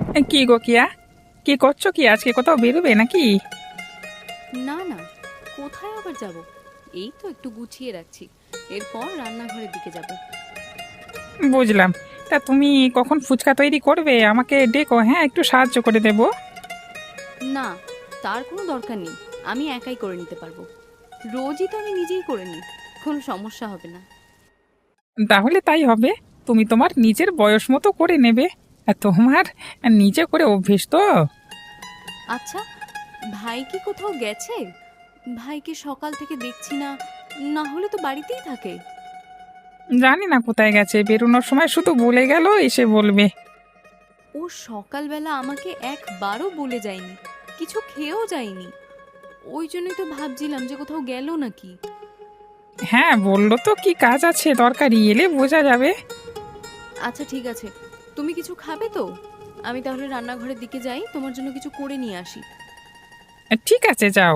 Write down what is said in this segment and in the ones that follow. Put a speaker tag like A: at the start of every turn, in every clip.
A: কি গো কিয়া, কি করছো? কি আজকে কোথাও বেরোবে নাকি?
B: না না, কোথায় আবার যাব? এই তো একটু গুছিয়ে রাখছি, এরপর রান্নাঘরের দিকে যাব।
A: বুঝলাম। তা তুমি কখন ফুচকা তৈরি করবে? আমাকে ডেকো, হ্যাঁ, একটু সাহায্য করে দেবো।
B: না, তার কোনো দরকার নেই, আমি একাই করে নিতে পারবো। রোজই তো আমি নিজেই করে নিই, কোনো সমস্যা হবে না।
A: তাহলে তাই হবে। তুমি তোমার নিজের বয়স মতো করে নেবে। আর তোমার নিজে করে অভ্যেস তো।
B: আচ্ছা, ভাই কি কোথাও গেছে? ভাইকে সকাল থেকে দেখছি না, না হলে তো বাড়িতেই থাকে।
A: জানি না কোথায় গেছে, বেরোনোর সময় শুধু বলে গেল এসে বলবে।
B: ও সকালবেলা আমাকে একবারও বলে যায়নি, কিছু খেয়েও যায়নি। ওই জন্যই তো ভাবছিলাম যে কোথাও গেল নাকি।
A: হ্যাঁ, বললো তো কি কাজ আছে, দরকারি এলে বোঝা যাবে।
B: আচ্ছা ঠিক আছে, তুমি কিছু খাবে তো? আমি তাহলে রান্নাঘরের দিকে যাই, তোমার জন্য কিছু করে নিয়ে আসি।
A: ঠিক আছে, যাও।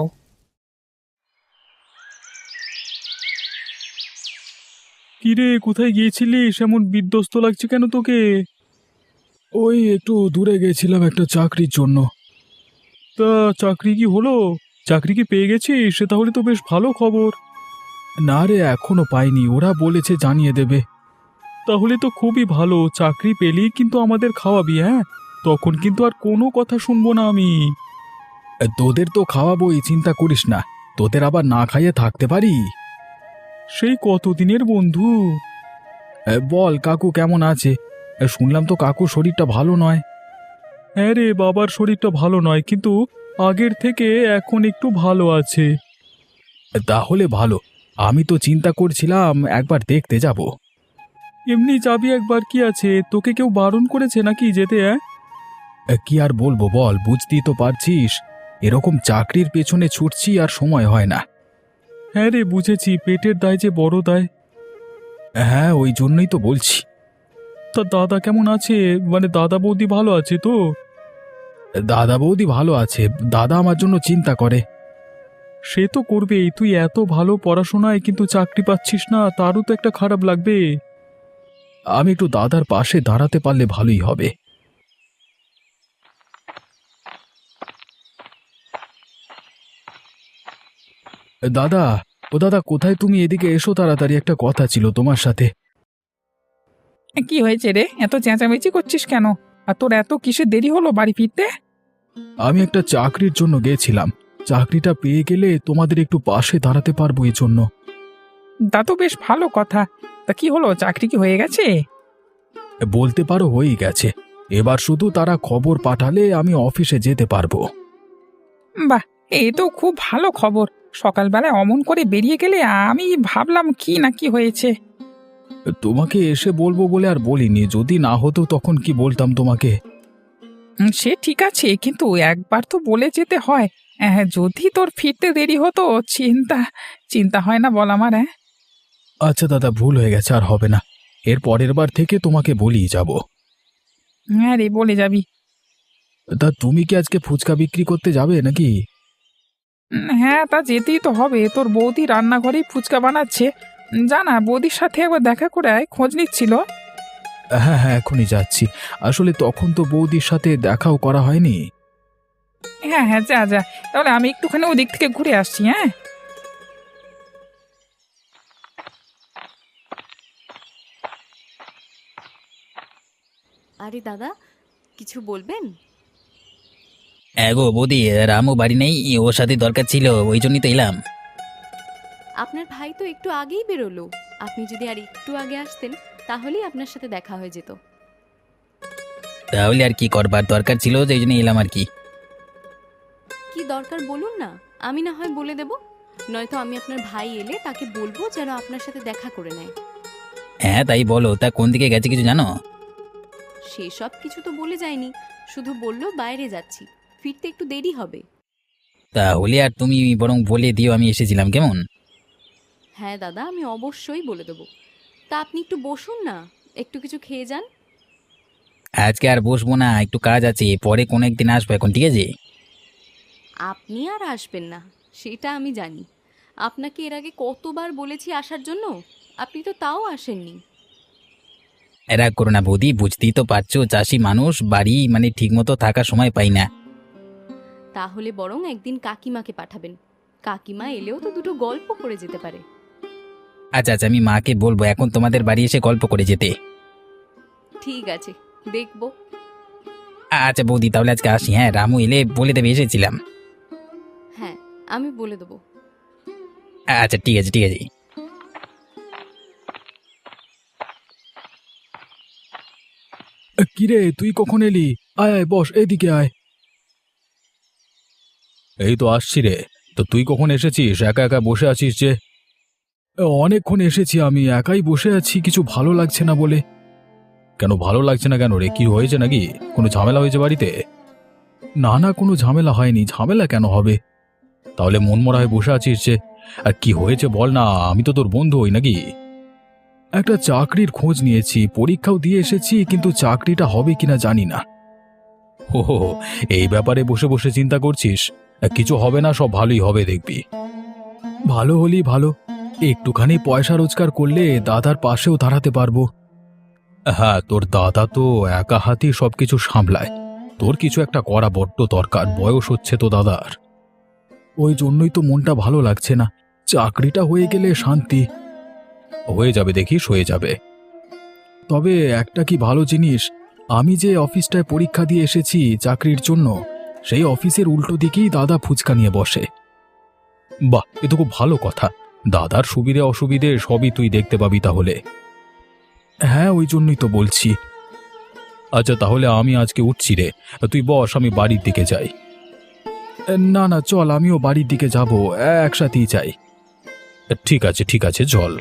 C: কিরে, কোথায় গিয়েছিলিস? এমন বিধ্বস্ত লাগছে কেন তোকে? ওই একটু দূরে গেছিলাম একটা চাকরির জন্য। তা চাকরি কি হলো? চাকরি কি পেয়ে গেছিস? সে তাহলে তো বেশ ভালো খবর। না রে, এখনো পাইনি, ওরা বলেছে জানিয়ে দেবে। তাহলে তো খুবই ভালো, চাকরি পেলেই কিন্তু আমাদের খাওয়াবি, হ্যাঁ? তখন কিন্তু আর কোনো কথা শুনবো না আমি। তোদের তো খাওয়াবোই, চিন্তা করিস না। তোদের আবার না খাইয়ে থাকতে পারি? সেই কতদিনের বন্ধু। বল, কাকু কেমন আছে? শুনলাম তো কাকুর শরীরটা ভালো নয়। হ্যাঁ রে, বাবার শরীরটা ভালো নয়, কিন্তু আগের থেকে এখন একটু ভালো আছে। তাহলে ভালো। আমি তো চিন্তা করছিলাম একবার দেখতে যাব। এমনি যাবি একবার, কি আছে? তোকে কেউ বারণ করেছে নাকি যেতে? কি আর বলবো বল, বুঝতেই তো পারছিস, এরকম চাকরির পেছনে ছুটছি আর সময় হয় না। হ্যাঁ রে, বুঝেছি, পেটের দায় যে বড় দায়। হ্যাঁ, ওই জন্যই তো বলছি। তা দাদা কেমন আছে? মানে দাদা বৌদি ভালো আছে তো? দাদা বৌদি ভালো আছে। দাদা আমার জন্য চিন্তা করে। সে তো করবেই, তুই এত ভালো পড়াশোনায় কিন্তু চাকরি পাচ্ছিস না, তারও তো একটা খারাপ লাগবে। আমি একটু দাদার পাশে দাঁড়াতে পারলে ভালোই হবে। দাদা, ও দাদা, কোথায় তুমি? এদিকে এসো তাড়াতাড়ি, একটা কথা ছিল তোমার সাথে।
A: কি হয়েছে রে, এত চেঁচামেচি করছিস কেন? আর তোর এত কিসে দেরি হলো বাড়ি ফিরতে?
C: আমি একটা চাকরির জন্য গেছিলাম। চাকরিটা পেয়ে গেলে তোমাদের একটু পাশে দাঁড়াতে পারবো এজন্য।
A: তা তো বেশ ভালো কথা। তা কি হলো, চাকরি কি হয়ে গেছে?
C: বলতে পারো হয়েই গেছে। এবার শুধু তারা খবর পাঠালে আমি অফিসে যেতে পারবো।
A: বাহ, এই তো খুব ভালো খবর। সকালবেলায় অমন করে বেরিয়ে গেলে আমি ভাবলাম কি না কি হয়েছে।
C: তোমাকে এসে বলবো বলে আর বলিনি, যদি না হতো তখন কি বলতাম তোমাকে।
A: সে ঠিক আছে, কিন্তু একবার তো বলে যেতে হয়। যদি তোর ফিরতে দেরি হতো, চিন্তা চিন্তা হয় না বল আমার? হ্যাঁ,
C: আচ্ছা দাদা, ভুল হয়ে গেছে, আর হবে না। এর পরের বার থেকে তোমাকে বলিয়ে যাব।
A: হ্যাঁ রে, বলে যাবি।
C: তা তুমি কি আজকে ফুচকা বিক্রি করতে যাবে নাকি?
A: হ্যাঁ, তা যেতেই তো হবে। তোর বৌদি রান্নাঘরেই ফুচকা বানাচ্ছে। জানা, বৌদির সাথে একবার দেখা করে আয়, খোঁজ নিচ্ছিল।
C: হ্যাঁ হ্যাঁ, এখনই যাচ্ছি। আসলে তখন তো বৌদির সাথে দেখাও করা হয়নি।
A: হ্যাঁ হ্যাঁ, যা যা। তাহলে আমি একটুখানি ওদিক থেকে ঘুরে আসছি, হ্যাঁ।
B: আরে দাদা, কিছু বলবেন?
D: গো বৌদি, রামু বাড়ি নেই, ওর সাথে দরকার ছিল, ওই জন্যই তো এলাম।
B: আপনার ভাই তো একটু আগেই বেরোলো, আপনি যদি আর একটু আগে আসতেন তাহলেই আপনার সাথে দেখা হয়ে যেত।
D: তাহলে আর কি করবার, দরকার ছিল যে, এই জন্য এলাম আর কি।
B: কি দরকার বলুন না, আমি না হয় বলে দেব। নয়তো আমি আপনার ভাই এলে তাকে বলবো যেন আপনার সাথে দেখা করে নেয়।
D: হ্যাঁ তাই বলো, তা কোন দিকে গেছে কিছু জানো?
B: সেসব কিছু তো বলে যায়নি, শুধু বললো বাইরে যাচ্ছি, ফিরতে একটু দেরি হবে।
D: তাহলে আর তুমি বরং বলে দিও আমি এসেছিলাম, কেমন?
B: হ্যাঁ দাদা, আমি অবশ্যই বলে দেবো। তা আপনি একটু বসুন না, একটু কিছু খেয়ে যান।
D: আজকে আর বসবো না, একটু কাজ আছে, পরে কোনো একদিন আসবো, এখন ঠিক আছে?
B: আপনি আর আসবেন না সেটা আমি জানি। আপনাকে এর আগে কতবার বলেছি আসার জন্য, আপনি তো তাও আসেননি।
D: রাগ করো না বৌদি, বুঝতেই তো পারছো চাষি মানুষ, বাড়ি মানে ঠিকমতো থাকার সময় পাই না।
B: তাহলে বরং একদিন কাকিমাকে পাঠাবেন, কাকিমা এলেও তো দুটো গল্প করে যেতে পারে।
D: আচ্ছা আচ্ছা, আমি মাকে বলবো এখন তোমাদের বাড়ি এসে গল্প করে যেতে।
B: ঠিক আছে, দেখবো।
D: আচ্ছা বৌদি, তাহলে আজকে আসি, হ্যাঁ? রামু এলে বলে দেবে এসেছিলাম।
B: হ্যাঁ, আমি বলে দেবো।
D: আচ্ছা ঠিক আছে ঠিক আছে।
C: কিরে তুই কখন এলি? আয় আয় বস, এদিকে আয়। এই তো আসছি রে। তো তুই কখন এসেছিস? একা একা বসে আছিস যে? অনেকক্ষণ এসেছি, আমি একাই বসে আছি, কিছু ভালো লাগছে না বলে। কেন ভালো লাগছে না কেন রে? কি হয়েছে নাকি? কোনো ঝামেলা হয়েছে বাড়িতে? না না, কোনো ঝামেলা হয়নি। ঝামেলা কেন হবে? তাহলে মনমরা হয়ে বসে আছিস যে? আর কি হয়েছে বল না, আমি তো তোর বন্ধু হই নাকি? একটা চাকরির খোঁজ নিয়েছি, পরীক্ষাও দিয়ে এসেছি, কিন্তু চাকরিটা হবে কিনা জানি না। হো হো হো, এই ব্যাপারে বসে বসে চিন্তা করছিস? কিছু হবে না, সব ভালোই হবে দেখবি। ভালো হলেই ভালো। একটুখানি পয়সা রোজগার করলে দাদার পাশেও দাঁড়াতে পারবো। হ্যাঁ, তোর দাদা তো একা হাতেই সবকিছু সামলায়। তোর কিছু একটা করা বড্ড দরকার, বয়স হচ্ছে তো দাদার। ওই জন্যই তো মনটা ভালো লাগছে না। চাকরিটা হয়ে গেলে শান্তি। হয়ে যাবে দেখিস, হয়ে যাবে। তবে একটা কি ভালো জিনিস, আমি যে অফিসটায় পরীক্ষা দিয়ে এসেছি চাকরির জন্য, সেই অফিসের উল্টো দিকেই দাদা ফুচকা নিয়ে বসে। বাহ, এ তো খুব ভালো কথা। দাদার সুবিধে অসুবিধে সবই তুই দেখতে পাবি তাহলে। হ্যাঁ, ওই জন্যই তো বলছি। আচ্ছা তাহলে আমি আজকে উঠছি রে, তুই বস, আমি বাড়ির দিকে যাই। না না, চল, আমিও বাড়ির দিকে যাব, একসাথেই যাই। ঠিক আছে ঠিক আছে, চল।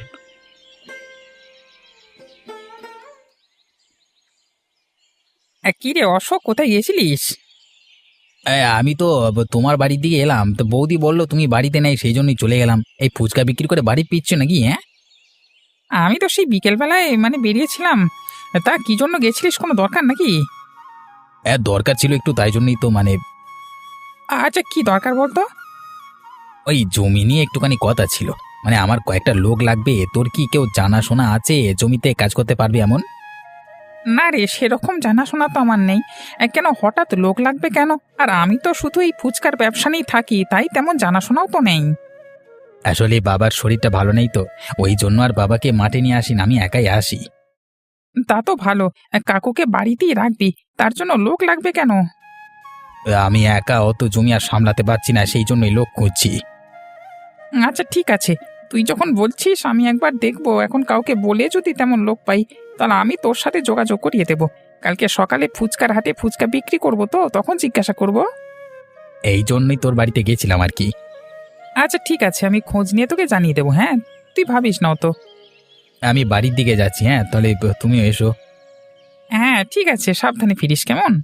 A: কি রে অশোক, কোথায় গেছিলিস?
D: আমি তো তোমার বাড়ির দিকে এলাম, তো বৌদি বললো তুমি বাড়িতে নেই, সেই জন্যই চলে গেলাম। এই ফুচকা বিক্রি করে বাড়ি ফিরছো নাকি? হ্যাঁ,
A: আমি তো সেই বিকেলবেলায় মানে বেরিয়েছিলাম। তা কি জন্য গেছিলিস, কোনো দরকার নাকি?
D: দরকার ছিল একটু, তাই জন্যই তো মানে
A: আচ্ছা, কি দরকার বলতো?
D: ওই জমি নিয়ে একটুখানি কথা ছিল। মানে আমার কয়েকটা লোক লাগবে, তোর কি কেউ জানাশোনা আছে জমিতে কাজ করতে পারবে এমন?
A: না রে, সেরকম জানাশোনা তো আমার নেই। কেন হঠাৎ লোক লাগবে কেন? আর আমি তো শুধু এই ফুচকার ব্যবসা নিয়েই থাকি, তাই তেমন জানাশোনাও তো নেই।
D: আসলে বাবার শরীরটা ভালো নেই তো, ওই জন্য আর বাবাকে মাঠে নিয়ে আসি না, আমি একাই আসি।
A: তা তো ভালো। কাকুকে বাড়িতেই রাখবি, তার জন্য লোক লাগবে কেন?
D: আমি একা অত জমি আর সামলাতে পারছি না, সেই জন্যই লোক খুঁজছি।
A: আচ্ছা ঠিক আছে, তুই যখন বলছিস আমি একবার দেখবো। এখন কাউকে বলে যদি তেমন লোক পাই, তাহলে আমি তোর সাথে যোগাযোগ করিয়ে দেবো। কালকে সকালে ফুচকার হাটে ফুচকা বিক্রি করবো, তো তখন জিজ্ঞাসা করব।
D: এই জন্যই তোর বাড়িতে গেছিলাম আর কি।
A: আচ্ছা ঠিক আছে, আমি খোঁজ নিয়ে তোকে জানিয়ে দেবো। হ্যাঁ, তুই ভাবিস না তো।
D: আমি বাড়ির দিকে যাচ্ছি, হ্যাঁ? তাহলে তুমিও এসো।
A: হ্যাঁ ঠিক আছে, সাবধানে ফিরিস কেমন?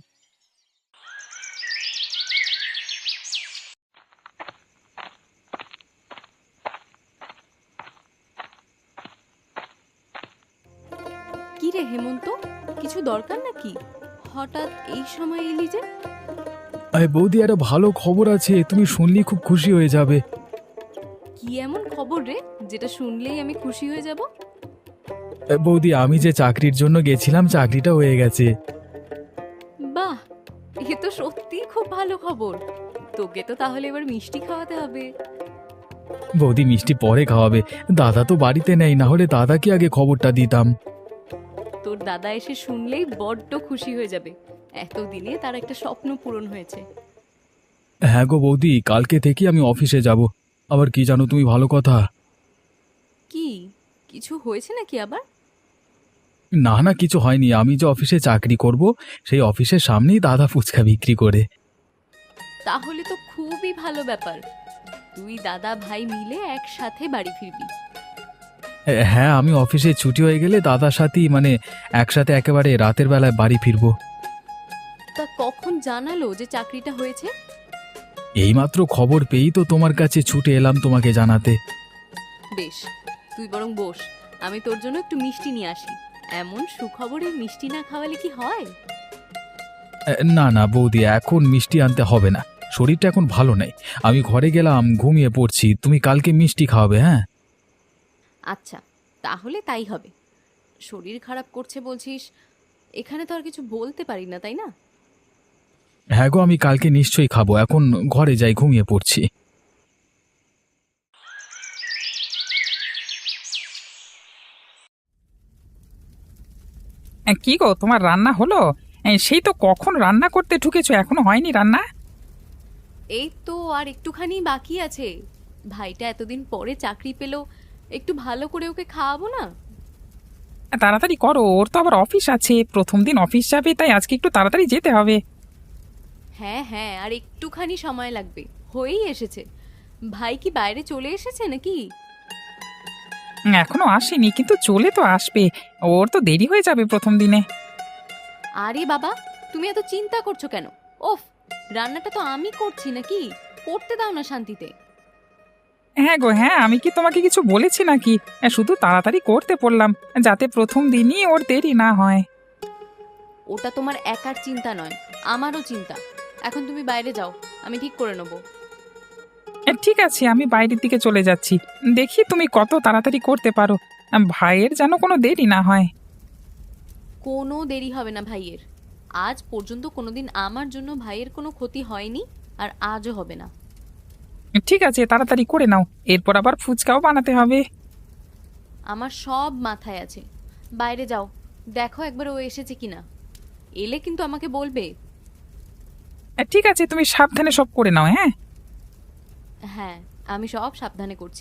B: কি রে হেমন্ত, কিছু দরকার নাকি? হঠাৎ এই সময় এলি যে?
C: আরে বৌদি, একটা ভালো খবর আছে, তুমি শুনলি খুব খুশি হয়ে যাবে।
B: কি এমন খবর রে যেটা শুনলেই আমি খুশি হয়ে যাব?
C: বৌদি, আমি যে চাকরির জন্য গেছিলাম, চাকরিটা হয়ে গেছে।
B: বাহ, এ তো সত্যিই খুব ভালো খবর। তোকে তো তাহলে এবার মিষ্টি খাওয়াতে হবে।
C: বৌদি, মিষ্টি পরে খাওয়াবে। দাদা তো বাড়িতে নেই, না হলে দাদাকে আগে খবরটা দিতাম।
B: তোর দাদা এসে শুনলেই বড্ড খুশি হয়ে যাবে। এতদিনে তার একটা স্বপ্ন পূরণ হয়েছে।
C: হ্যাঁ গো বৌদি, কালকে থেকে আমি অফিসে যাব। আবার কি জানো তুমি, ভালো কথা।
B: কি কিছু হয়েছে নাকি আবার?
C: না না, কিছু হয়নি। আমি যে অফিসে চাকরি করব, সেই অফিসের সামনেই দাদা ফুচকা বিক্রি করে।
B: তাহলে তো খুবই ভালো ব্যাপার। তুই দাদা ভাই মিলে একসাথে বাড়ি ফিরবি।
C: হ্যাঁ, আমি অফিসে ছুটি হয়ে গেলে দাদার সাথেই মানে একসাথে একেবারে রাতের বেলায় বাড়ি ফিরবো।
B: তা কখন জানালো যে চাকরিটা হয়েছে?
C: এইমাত্র খবর পেয়েই তো তোমার কাছে ছুটে এলাম তোমাকে জানাতে।
B: বেশ, তুই বরং বস, আমি তোর জন্য একটু মিষ্টি নিয়ে আসি। এমন সুখবরে মিষ্টি না খাওয়ালে কি হয়?
C: না না বৌদি, এখন মিষ্টি আনতে হবে না, শরীরটা এখন ভালো নেই। আমি ঘরে গেলাম, ঘুমিয়ে পড়ছি। তুমি কালকে মিষ্টি খাওয়াবে, হ্যাঁ?
B: আচ্ছা, তাহলে তাই হবে। শরীর খারাপ করছে বলছিস, এখানে তো আর কিছু বলতে পারি না, তাই না?
C: হ্যাঁ গো, আমি কালকে নিশ্চয়ই খাবো। এখন ঘরে যাই, ঘুমিয়ে পড়ছি।
A: কি গো, তোমার রান্না হলো? সেই তো কখন রান্না করতে ঢুকেছো, এখনো হয়নি রান্না?
B: এই তো আর একটুখানি বাকি আছে। ভাইটা এতদিন পরে চাকরি পেলো, একটু ভালো করে ওকে খাওয়াবো না?
A: তাড়াতাড়ি করো, ওর তো আবার অফিস আছে, প্রথম দিন অফিস যাবে, তাই আজকে একটু তাড়াতাড়ি যেতে হবে।
B: হ্যাঁ হ্যাঁ, আর একটুখানি সময় লাগবে, হয়েই এসেছে। ভাই কি বাইরে চলে এসেছে নাকি?
A: এখনো আসেনি, কিন্তু চলে তো আসবে। ওর তো দেরি হয়ে যাবে প্রথম দিনে।
B: আরে বাবা, তুমি এত চিন্তা করছো কেন? ওফ, রান্নাটা তো আমি করছি নাকি, করতে দাও না শান্তিতে।
A: হ্যাঁ গো হ্যাঁ, আমি কি তোমাকে কিছু বলেছি নাকি? শুধু তাড়াতাড়ি করতে বললাম, যাতে প্রথম দিনই ওর দেরি না হয়।
B: ওটা তোমার একার চিন্তা নয়, আমারও চিন্তা। এখন তুমি বাইরে যাও, আমি ঠিক করে নেবো।
A: ঠিক আছে, আমি বাইরের দিকে চলে যাচ্ছি। দেখি তুমি কত তাড়াতাড়ি করতে পারো। ভাইয়ের যেন কোনো দেরি না হয়।
B: কোনো দেরি হবে না ভাইয়ের। আজ পর্যন্ত কোনোদিন আমার জন্য ভাইয়ের কোনো ক্ষতি হয়নি, আর আজও হবে না।
A: ঠিক আছে, তাড়াতাড়ি করে নাও, এরপর আবার ফুচকাও বানাতে হবে।
B: আমার সব মাথায় আছে। বাইরে যাও, দেখো একবার ও এসেছে কিনা। এলে কিন্তু আমাকে বলবে।
A: ঠিক আছে, তুমি সাবধানে সব করে নাও, হ্যাঁ?
B: হ্যাঁ, আমি সব সাবধানে করছি।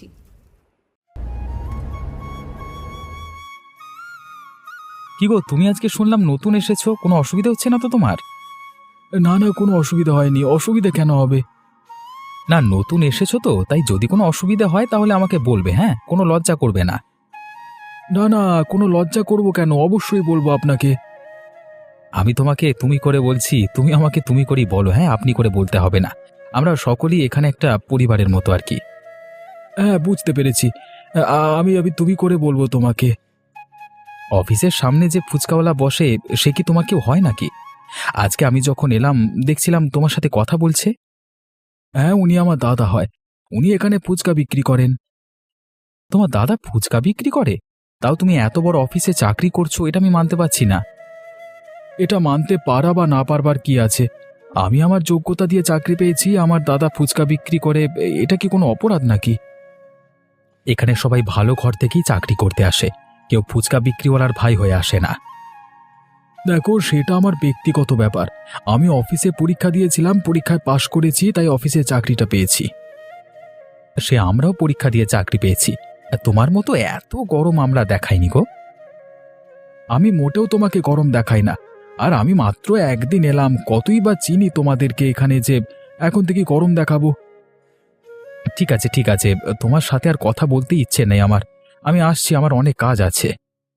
D: কি গো, তুমি আজকে শুনলাম নতুন এসেছো, কোনো অসুবিধা হচ্ছে না তো তোমার?
C: না না, কোনো অসুবিধা হয়নি। অসুবিধা কেন হবে?
D: না, নতুন এসেছো তো, তাই যদি কোনো অসুবিধা হয় তাহলে আমাকে বলবে, হ্যাঁ? কোনো লজ্জা করবে না।
C: না না, কোনো লজ্জা করব কেন? অবশ্যই বলবো আপনাকে।
D: আমি তোমাকে তুমি করে বলছি, তুমি আমাকে তুমি করেই বলো, হ্যাঁ? আপনি করে বলতে হবে না। আমরা সকলেই এখানে একটা পরিবারের মতো আর কি।
C: হ্যাঁ, বুঝতে পেরেছি। আমি আমি তুমি করে বলবো তোমাকে।
D: অফিসের সামনে যে ফুচকাওয়ালা বসে, সে কি তোমার কেউ হয় নাকি? আজকে আমি যখন এলাম দেখছিলাম তোমার সাথে কথা বলছে।
C: হ্যাঁ, উনি আমার দাদা হয়। উনি এখানে ফুচকা বিক্রি করেন।
D: তোমার দাদা ফুচকা বিক্রি করে? তাও তুমি এত বড় অফিসে চাকরি করছো, এটা আমি মানতে পারছি না।
C: এটা মানতে পারা বা না পারবার কি আছে? আমি আমার যোগ্যতা দিয়ে চাকরি পেয়েছি, আমার দাদা ফুচকা বিক্রি করে। এটা কি কোনো অপরাধ নাকি?
D: এখানে সবাই ভালো ঘর থেকেই চাকরি করতে আসে, কেউ ফুচকা বিক্রিওয়ালার ভাই হয়ে আসে না।
C: দেখো, সেটা আমার ব্যক্তিগত ব্যাপার। আমি অফিসে পরীক্ষা দিয়েছিলাম, পরীক্ষায় পাশ করেছি, তাই অফিসে চাকরিটা পেয়েছি।
D: সে আমরাও পরীক্ষা দিয়ে চাকরি পেয়েছি, আর তোমার মতো এত গরম আমরা দেখাইনি গো।
C: আমি মোটেও তোমাকে গরম দেখাই না। আর আমি মাত্র একদিন এলাম, কতই বা চিনি তোমাদেরকে এখানে যে এখন থেকে গরম দেখাবো?
D: ঠিক আছে ঠিক আছে, তোমার সাথে আর কথা বলতে ইচ্ছে নেই আমার। আমি আসছি, আমার অনেক কাজ আছে।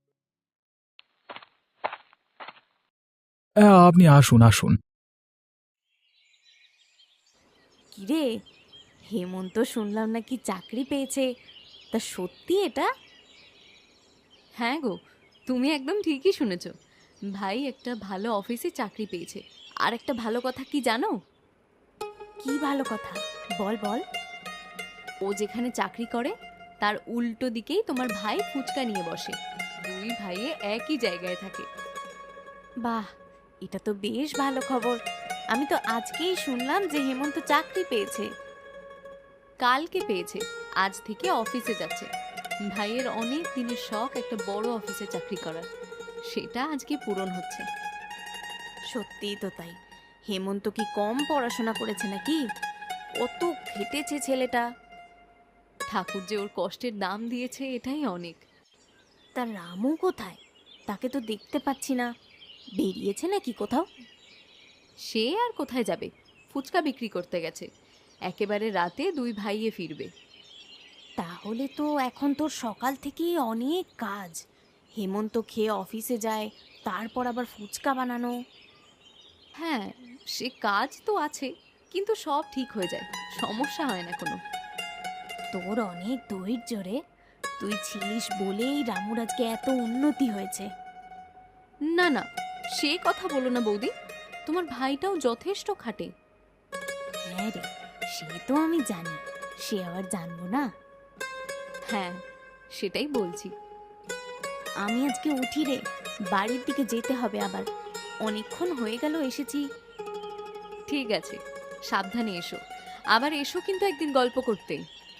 C: আপনি আসুন আসুন।
B: কিরে, হেমন্ত শুনলাম নাকি চাকরি পেয়েছে, তা সত্যি এটা? হ্যাঁ গো, তুমি একদম ঠিকই শুনেছ। ভাই একটা ভালো অফিসে চাকরি পেয়েছে। আর একটা ভালো কথা কি জানো? কি ভালো কথা? বল বল। ও যেখানে চাকরি করে তার উল্টো দিকেই তোমার ভাই ফুচকা নিয়ে বসে। দুই ভাইয়ে একই জায়গায় থাকে। বাহ, এটা তো বেশ ভালো খবর। আমি তো আজকেই শুনলাম যে হেমন্ত চাকরি পেয়েছে। কালকে পেয়েছে, আজ থেকে অফিসে যাচ্ছে। ভাইয়ের অনেক দিনের শখ একটা বড় অফিসে চাকরি করার, সেটা আজকে পূরণ হচ্ছে। সত্যিই তো তাই। হেমন্ত কি কম পড়াশোনা করেছে নাকি? কত খেটেছে ছেলেটা। ঠাকুর যে ওর কষ্টের দাম দিয়েছে, এটাই অনেক। তার রামু কোথায়? তাকে তো দেখতে পাচ্ছি না। বেরিয়েছে নাকি কোথাও? সে আর কোথায় যাবে, ফুচকা বিক্রি করতে গেছে। একেবারে রাতে দুই ভাইয়ে ফিরবে। তাহলে তো এখন তোর সকাল থেকেই অনেক কাজ। হেমন্ত খেয়ে অফিসে যায়, তারপর আবার ফুচকা বানানো। হ্যাঁ, সে কাজ তো আছে, কিন্তু সব ঠিক হয়ে যায়, সমস্যা হয় না কোনো। তোর অনেক ধৈর্য রে। তুই ছিলিস বলেই রামুর আজকে এত উন্নতি হয়েছে। না না, সে কথা বলো না বৌদি। তোমার ভাইটাও যথেষ্ট খাটে। হ্যাঁ রে, সে তো আমি জানি, সে আবার জানবো না? হ্যাঁ, সেটাই বলছি। আমি আজকে উঠি রে, বাড়ির দিকে যেতে হবে আবার। অনেকক্ষণ হয়ে গেল এসেছি। ঠিক আছে, সাবধানে এসো। আবার এসো কিন্তু একদিন গল্প করতে।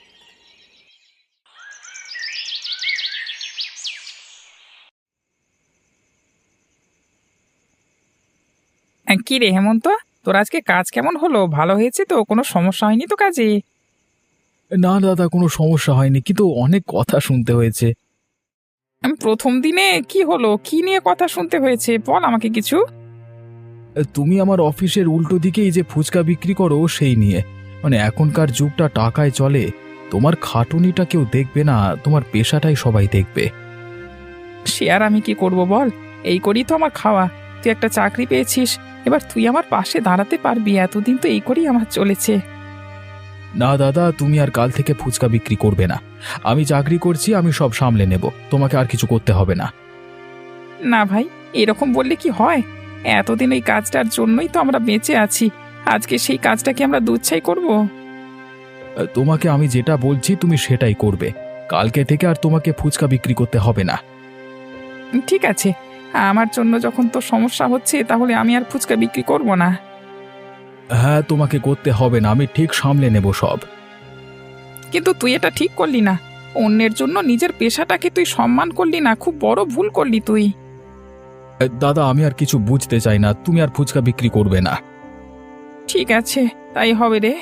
A: কি রে হেমন্ত, তোর আজকে কাজ কেমন হলো? ভালো হয়েছে তো? কোনো সমস্যা হয়নি তো কাজে?
C: না দাদা, কোনো সমস্যা হয়নি, কিন্তু অনেক কথা শুনতে হয়েছে।
A: প্রথম দিনে কি হলো? কি নিয়ে কথা শুনতে হয়েছে? বল আমাকে কিছু।
C: তুমি আমার অফিসের উল্টো দিকে এই যে ফুচকা বিক্রি করো সেই নিয়ে। মানে এখনকার যুগটা টাকায় চলে, তোমার খাটুনিটা কেউ দেখবে না, তোমার পেশাটাই সবাই দেখবে।
A: সে আর আমি কি করব বল? এই করেই তো আমার খাওয়া। তুই একটা চাকরি পেয়েছিস, এবার তুই আমার পাশে দাঁড়াতে পারবি। এতদিন তো এই করেই আমার চলেছে।
C: না দাদা, তুমি আর কাল থেকে ফুচকা বিক্রি করবে না। আমি চাকরি করছি, আমি সব সামলে নেব, তোমাকে আর কিছু করতে হবে না।
A: না ভাই, এরকম বললে কি হয়? এতদিন এই কাজটার জন্যই তো আমরা বেঁচে আছি। আজকে সেই কাজটা কি আমরা দুচ্ছাই করব?
C: তোমাকে আমি যেটা বলছি তুমি সেটাই করবে। কালকে থেকে আর তোমাকে ফুচকা বিক্রি করতে হবে না।
A: ঠিক আছে, আমার জন্য যখন তো সমস্যা হচ্ছে, তাহলে আমি আর ফুচকা বিক্রি করব না।
C: হ্যাঁ, তোমাকে করতে হবে না, আমি ঠিক সামলে নেব সব।
A: কিন্তু তুই এটা ঠিক করলি না। অন্যের জন্য নিজের পেশাটাকে তুই সম্মান করলি না। খুব বড় ভুল করলি তুই।
C: দাদা, আমি আর কিছু বুঝতে চাই না, তুমি আর ফুচকা বিক্রি করবে না।
A: ঠিক আছে, তাই হবে রে।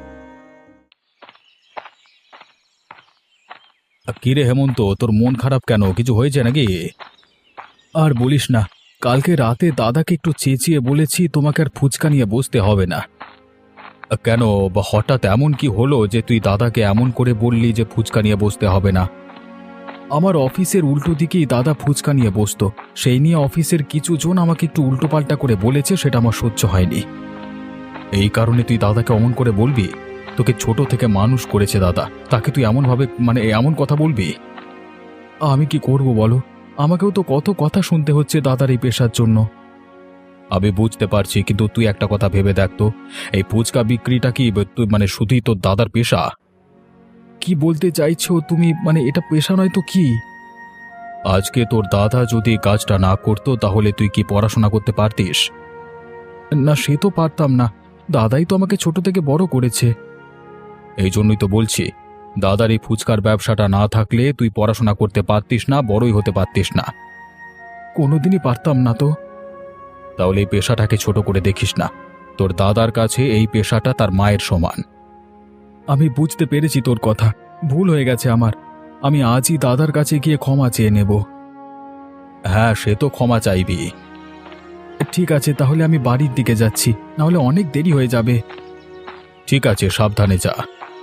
C: কিরে হেমন্ত, তোর মন খারাপ কেন? কিছু হয়েছে নাকি? আর বলিস না, কালকে রাতে দাদাকে একটু চেঁচিয়ে বলেছি তোমাকে আর ফুচকা নিয়ে বসতে হবে না। কেন বা হঠাৎ এমন কি হলো যে তুই দাদাকে এমন করে বললি যে ফুচকা নিয়ে বসতে হবে না? আমার অফিসের উল্টো দিকেই দাদা ফুচকা নিয়ে বসতো, সেই নিয়ে অফিসের কিছু জন আমাকে একটু উল্টোপাল্টা করে বলেছে, সেটা আমার সহ্য হয়নি। এই কারণে তুই দাদাকে অমন করে বলবি? তোকে ছোট থেকে মানুষ করেছে দাদা, তাকে তুই এমনভাবে এমন কথা বলবি? আমি কি করব বলো? আমাকেও তো কত কথা শুনতে হচ্ছে দাদার এই পেশার জন্য। আমি বুঝতে পারছি, কিন্তু তুই একটা কথা ভেবে দেখ তো, এই ফুচকা বিক্রিটা কি তুই শুধুই তোর দাদার পেশা? কি বলতে চাইছো তুমি? এটা পেশা নয় তো কি? আজকে তোর দাদা যদি কাজটা না করতো তাহলে তুই কি পড়াশোনা করতে পারতিস? না, সে তো পারতাম না, দাদাই তো আমাকে ছোট থেকে বড় করেছে। এই জন্যই তো বলছি, দাদার এই ফুচকার ব্যবসাটা না থাকলে তুই পড়াশোনা করতে পারতিস না, বড়ই হতে পারতিস না। কোনোদিনই পারতাম না তো। তাহলে এই পেশাটাকে ছোট করে দেখিস না, তোর দাদার কাছে এই পেশাটা তার মায়ের সমান। আমি বুঝতে পেরেছি তোর কথা, ভুল হয়ে গেছে আমার। আমি আজই দাদার কাছে গিয়ে ক্ষমা চেয়ে নেব। হ্যাঁ, সে তো ক্ষমা চাইবি। ঠিক আছে, তাহলে আমি বাড়ির দিকে যাচ্ছি, নাহলে অনেক দেরি হয়ে যাবে। ঠিক আছে, সাবধানে যা।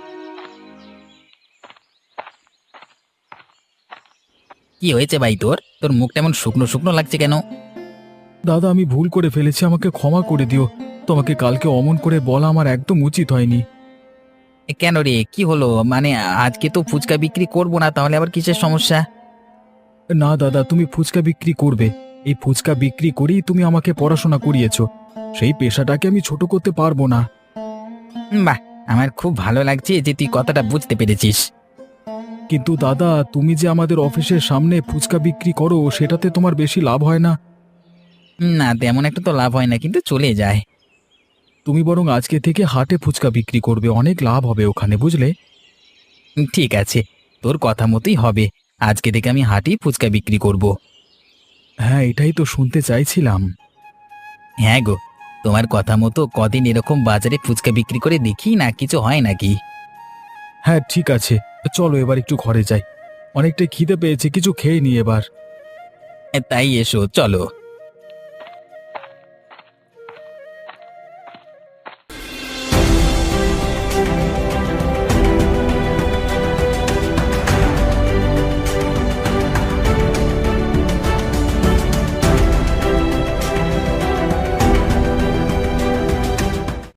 D: কি হয়েছে ভাই? তোর তোর মুখটা এমন শুকনো শুকনো লাগছে কেন?
C: দাদা, আমি ভুল করে ফেলেছি, আমাকে ক্ষমা করে দিও। তোমাকে কালকে অমন করে বলা আমার একদম উচিত হয়নি।
D: কেন রে, কি হলো? আজকে তো ফুচকা বিক্রি করবো না, তাহলে আবার কিসের সমস্যা?
C: না দাদা, তুমি ফুচকা বিক্রি করবে। এই ফুচকা বিক্রি করেই তুমি আমাকে পড়াশোনা করিয়েছো, সেই পেশাটাকে আমি ছোট করতে পারবো না।
D: বাহ, আমার খুব ভালো লাগছে যে তুই কথাটা বুঝতে পেরেছিস।
C: কিন্তু দাদা, তুমি যে আমাদের অফিসের সামনে ফুচকা বিক্রি করো, সেটাতে তোমার বেশি লাভ হয় না?
D: না, তেমন একটা তো লাভ হয় না, কিন্তু চলে যায়।
C: তুমি বরং আজকে থেকে হাটে ফুচকা বিক্রি করবে, অনেক লাভ হবে ওখানে, বুঝলে?
D: ঠিক আছে, তোর কথা মতোই হবে। আজকে থেকে আমি হাটেই ফুচকা বিক্রি করব।
C: হ্যাঁ, এটাই তো শুনতে চাইছিলাম।
D: হ্যাঁ গো, তোমার কথা মতো কদিন এরকম বাজারে ফুচকা বিক্রি করে দেখি না, কিছু হয় নাকি।
C: হ্যাঁ ঠিক আছে, চলো এবার একটু ঘরে যাই, অনেকটা খিদে পেয়েছে, কিছু খেয়ে নি এবার।
D: তাই এসো, চলো।